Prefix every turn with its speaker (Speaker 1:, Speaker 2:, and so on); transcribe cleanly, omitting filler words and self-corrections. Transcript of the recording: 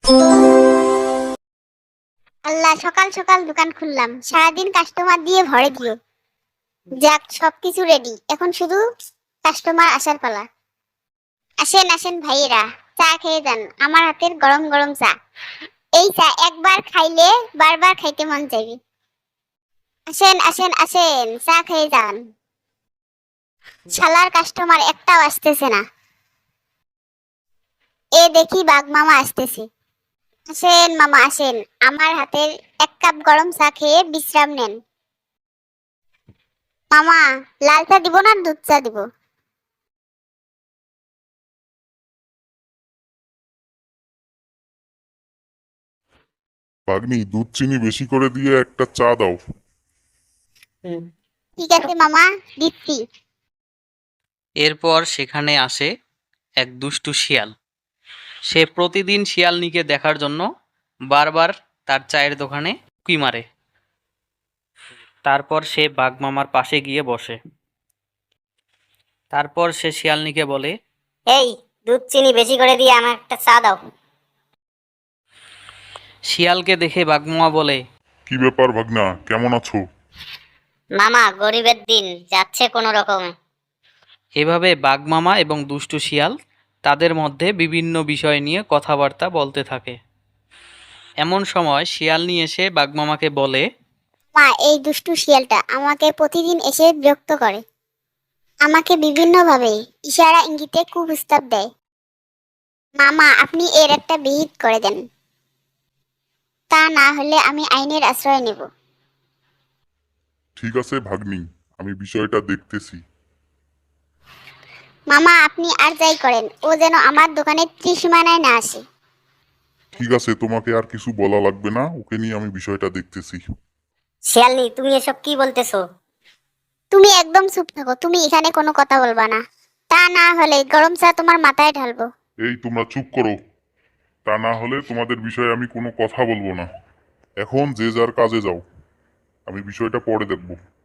Speaker 1: আল্লাহ, সকাল সকাল দোকান খুললাম, সারাদিন কাস্টমার দিয়ে ভরে দিও। যাক, সবকিছু রেডি, এখন শুধু কাস্টমার আসার পালা। আসেন আসেন ভাইয়েরা, চা খেয়ে যান, আমার হাতের গরম গরম চা। এই চা একবার খাইলে বারবার খাইতে মন চাইবে। আসেন আসেন আসেন, চা খেয়ে যান। শালার কাস্টমার একটাও আসতেছে না। এ দেখি বাঘ মামা আসতেছে। আসেন মামা আসেন, আমার হাতের এক কাপ গরম চা খেয়ে বিশ্রাম নেন। মামা, লাল চা দিব না দুধ চা দিব?
Speaker 2: ভাগ্নি, দুধ চিনি বেশি করে দিয়ে একটা চা দাও।
Speaker 1: ঠিক আছে মামা, দিচ্ছি।
Speaker 3: এরপর সেখানে আসে এক দুষ্টু শিয়াল। সে প্রতিদিন শিয়ালনিকে দেখার জন্য বারবার তার চায়ের দোকানে উঁকি মারে। তারপর সে বাঘমামার পাশে গিয়ে বসে। তারপর সে শিয়ালনিকে বলে,
Speaker 1: এই, দুধ চিনি বেশি করে দিয়ে আমার একটা চা দাও।
Speaker 3: শিয়ালকে দেখে বাঘমামা বলে,
Speaker 2: কি ব্যাপার ভাগনা, কেমন আছো?
Speaker 1: মামা, গরিবের দিন যাচ্ছে কোনো রকমে।
Speaker 3: এভাবে বাঘমামা এবং দুষ্টু শিয়াল তাদের মধ্যে বিভিন্ন বিষয় নিয়ে কথাবার্তা বলতে থাকে। এমন সময় শিয়ালনি এসে বাঘমামাকে বলে,
Speaker 1: মা, এই দুষ্টু শিয়ালটা আমাকে প্রতিদিন এসে বিরক্ত করে। আমাকে বিভিন্নভাবে ইশারা ইঙ্গিতে কুপ্রস্তাব দেয়। মামা, আপনি এর একটা বিহিত করে দেন, তা না হলে আমি আইনের আশ্রয় নেব।
Speaker 2: ঠিক আছে ভাগ্নি, আমি বিষয়টা দেখতেছি।
Speaker 1: মামা, আপনি আর যাই করেন, ও যেন আমার দোকানের ত্রিসীমানায় না আসে।
Speaker 2: ঠিক আছে, তোমাকে আর কিছু বলা লাগবে না, ওকে নিয়ে আমি বিষয়টা দেখতেছি।
Speaker 1: শিয়ালনি, তুমি এসব কি বলতেছো? তুমি একদম চুপ থাকো, তুমি এখানে কোনো কথা বলবা না, তা না হলে গরম চা তোমার মাথায় ঢালবো।
Speaker 2: এই তোমরা চুপ করো, তা না হলে তোমাদের বিষয়ে আমি কোনো কথা বলবো না। এখন যে যার কাজে যাও, আমি বিষয়টা পরে দেখব।